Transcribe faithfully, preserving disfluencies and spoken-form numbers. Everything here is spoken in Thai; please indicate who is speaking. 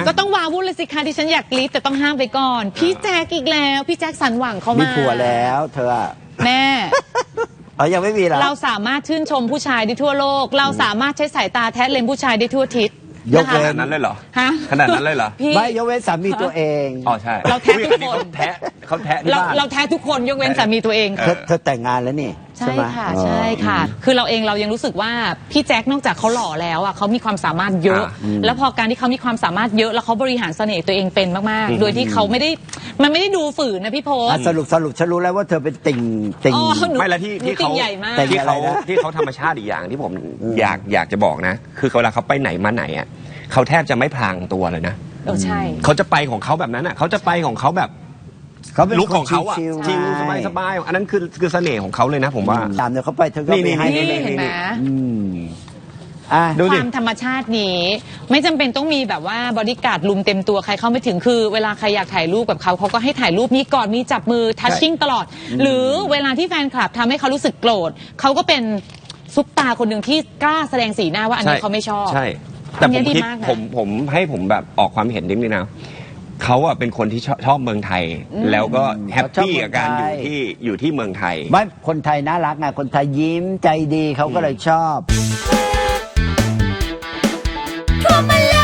Speaker 1: ก็ต้องวาวุ่นเลยสิคะที่ฉันอยากกรี๊ดแต่ต้องห้ามไปก่อนพี่แจ็คอีกแล้วพี่แจ็คสันหวังเขามามี
Speaker 2: ผัวแล้วเธอ
Speaker 1: แม่
Speaker 2: เออยังไม่มีหรอ
Speaker 1: เราสามารถชื่นชมผู้ชายได้ทั่วโลกเราสามารถใช้สายตาแทะเลนผู้ชายได้ทั่วทิศ
Speaker 2: ยกเว้น
Speaker 3: ขนาดนั้นเลยเหรอ
Speaker 1: ฮะ
Speaker 3: ขนาดนั้นเลยเหรอ
Speaker 1: พี่
Speaker 2: ไม่ยกเว้นสามีตัวเอง
Speaker 3: อ๋อใช่
Speaker 1: เราแท้ทุกคน
Speaker 3: เขาแทะเขาแทะที่
Speaker 1: เรา
Speaker 3: บ้าน
Speaker 1: เราแท้ทุกคนยกเว้นสามีตัวเอง
Speaker 2: เธอเธอแต่งงานแล้วนี่
Speaker 1: ใช่
Speaker 2: ไหม
Speaker 1: ค่ะ
Speaker 2: อ๋อ
Speaker 1: ใช่ค่ะ คือเราเองเรายังรู้สึกว่าพี่แจ็คนอกจากเขาหล่อแล้วอ่ะเขามีความสามารถเยอะ แล้วพอการที่เขามีความสามารถเยอะแล้วเขาบริหารเสน่ห์ตัวเองเป็นมากๆ โดยที่เขาไม่ได้มันไม่ได้ดูฝืนนะพี่โพส
Speaker 2: อ่ะสรุปสรุปฉันรู้แล้วว่าเธอเป็นติ่งติ่ง
Speaker 1: อ๋อหนู
Speaker 3: ไม่ละที่
Speaker 1: หนู
Speaker 3: ที่
Speaker 1: ติ่
Speaker 3: เขา
Speaker 1: งใหญ่มาก
Speaker 2: แต่
Speaker 3: ที่เขา
Speaker 2: อะไรนะ
Speaker 3: ที่เขาธรรมชาติอีกอย่างที่ผมอยากอยากจะบอกนะ คือเวลาเขาไปไหนมาไหนอ่ะเขาแทบจะไม่พลางตัวเลยนะ
Speaker 1: เออใช่
Speaker 3: เขาจะไปของเขาแบบนั้นอ่ะเขาจะไปของเขาแบบ
Speaker 2: เขาเป็น
Speaker 3: ลุกของเขาอ่ะ
Speaker 2: ชิลๆ
Speaker 3: ชิล
Speaker 2: ไง
Speaker 3: สบายสบายอันนั้นคือคือเสน่ห์ของเขาเลยนะผมว่า
Speaker 2: ตามเดี๋ยวเขาไปเธอก็
Speaker 3: นี่
Speaker 2: ไม่ให้
Speaker 3: นี่
Speaker 1: นี่
Speaker 2: ไม่
Speaker 1: เห็นไหม
Speaker 2: อืมอ่ะ
Speaker 3: ดู
Speaker 1: ค
Speaker 3: ดิ
Speaker 1: วามธรรมชาตินี้ไม่จำเป็นต้องมีแบบว่าบอดี้การ์ดลุมเต็มตัวใครเข้าไม่ถึงคือ เวลาใครอยากถ่ายรูปกับเขาเขาก็ให้ถ่ายรูปมีกอดมีจับมือทัชชิ่งตลอด หรือเวลาที่แฟนคลับทำให้เขารู้สึกโกรธเขาก็เป็นซุปตาคนหนึ่งที่กล้าแสดงสีหน้าว่าอันนี้เขาไม่ชอบ
Speaker 3: ใช่ แต่
Speaker 1: อัน
Speaker 3: ผ
Speaker 1: นี้
Speaker 3: ม
Speaker 1: ดี
Speaker 3: คิด
Speaker 1: มากนะ
Speaker 3: ผมผมให้ผมแบบออกความเห็นนิดนึงนะเขาอ่ะเป็นคนที่ชอบชอบเมืองไทย แล้วก็แฮปปี้กับการอยู่ที่อยู่ที่เมืองไทย
Speaker 2: ไม่คนไทยน่ารักไงคนไทยยิ้มใจดีเขาก็เลยชอบ
Speaker 4: ทั่วมาเล